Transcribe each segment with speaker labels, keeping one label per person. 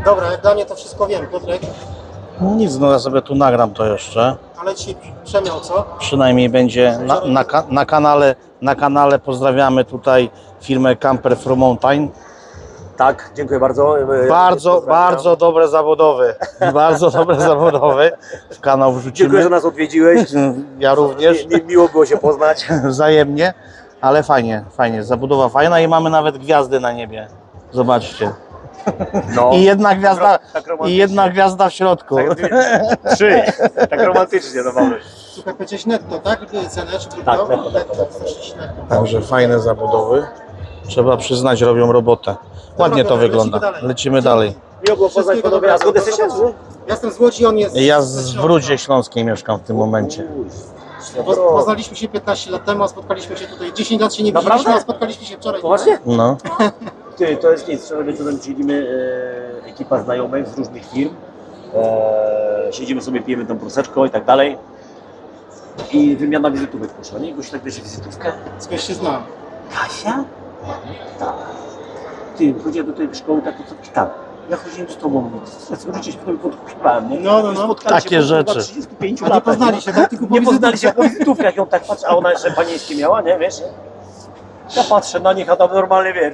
Speaker 1: Dobra, jak dla mnie to wszystko wiem, Piotrek.
Speaker 2: Nic, no ja sobie tu nagram to jeszcze.
Speaker 1: Ale ci przemiał, co?
Speaker 2: Przynajmniej będzie na kanale pozdrawiamy tutaj firmę Camper from Mountain.
Speaker 3: Tak, dziękuję bardzo.
Speaker 2: Bardzo dobre zawodowe. Bardzo dobre zawodowe. W kanał
Speaker 3: Dziękuję,
Speaker 2: wrzucimy.
Speaker 3: że nas odwiedziłeś.
Speaker 2: Ja również.
Speaker 3: Miło było się poznać.
Speaker 2: Wzajemnie. Ale fajnie, fajnie. Zabudowa fajna i mamy nawet gwiazdy na niebie. Zobaczcie.
Speaker 3: No.
Speaker 2: I jedna gwiazda w środku.
Speaker 3: Trzy. Tak romantycznie to mamy.
Speaker 1: Słuchaj, powiedziałeś netto, tak? Cenę czy brutto?
Speaker 3: Tak, netto.
Speaker 2: Także fajne zabudowy. Trzeba przyznać, robią robotę. Ładnie to wygląda. Lecimy dalej.
Speaker 3: Miło było poznać panowie. A skąd jesteście?
Speaker 1: Ja jestem z Łodzi, on jest...
Speaker 2: Ja w Rudzie Śląskiej mieszkam w tym momencie.
Speaker 1: Poznaliśmy się 15 lat temu, a spotkaliśmy się tutaj. 10 lat się nie widzieliśmy,
Speaker 3: Naprawdę?
Speaker 1: a spotkaliśmy się wczoraj.
Speaker 3: Poważnie?
Speaker 2: No.
Speaker 3: Ty, to jest nic. Wczoraj wieczorem siedzimy, ekipa znajomych z różnych firm. Siedzimy sobie, pijemy tą proseczką i tak dalej. I wymiana wizytówek poszła, nie? Goś tak bierze wizytówkę.
Speaker 1: Skądś się znam.
Speaker 3: Kasia? Tak. Ty, chodziłem do tej szkoły, tak to tak. Ja chodziłem z tobą, życie się potem podkupiłem, nie?
Speaker 1: No.
Speaker 3: Spotkali
Speaker 2: Takie
Speaker 3: się po
Speaker 2: rzeczy.
Speaker 3: 35
Speaker 1: A nie
Speaker 3: latach.
Speaker 1: poznali się, tak? Tylko po
Speaker 3: Nie poznali się
Speaker 1: wizytówkach.
Speaker 3: po wizytówkach, ją tak patrzę, a ona jeszcze panieńskie miała, nie, wiesz? Ja patrzę na nich, a tam normalnie, wiesz,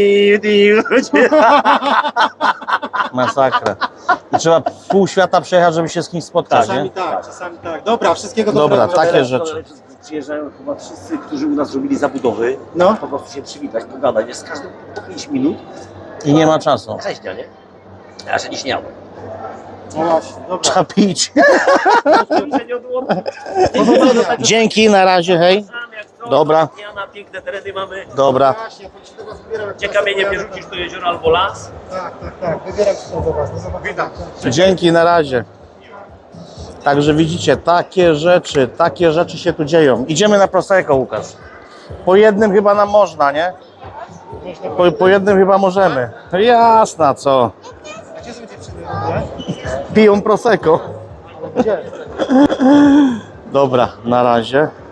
Speaker 2: Masakra. I trzeba pół świata przejechać, żeby się z kimś spotkać, nie?
Speaker 1: Czasami tak. Dobra, wszystkiego
Speaker 2: Dobra,
Speaker 1: dobrego.
Speaker 2: takie rzeczy.
Speaker 3: Przyjeżdżają chyba wszyscy, którzy u nas robili zabudowy,
Speaker 1: No.
Speaker 3: po prostu się przywitać, pogadać, jest z każdym po 5 minut.
Speaker 2: I nie ma czasu.
Speaker 3: Grześnia, nie? Ja się nie śniałem.
Speaker 1: No właśnie, dobra.
Speaker 2: Trzeba pić.
Speaker 3: Nie odło-
Speaker 2: Dzięki, na razie, hej. Dobra.
Speaker 3: Na piękne tereny mamy.
Speaker 2: Dobra.
Speaker 1: Właśnie, ja się do was wybieram.
Speaker 3: Gdzie kamieniem nie rzucisz do jeziora albo las.
Speaker 1: Tak. Wybieram się do was. Do zobaczenia.
Speaker 2: Dzięki, na razie. Także widzicie, takie rzeczy się tu dzieją. Idziemy na Prosecco, Łukasz. Po jednym chyba nam można, nie? Po jednym chyba możemy. Jasna, co?
Speaker 1: A gdzie są dziewczyny w ogóle?
Speaker 2: Piją Prosecco.
Speaker 1: Gdzie?
Speaker 2: Dobra, na razie.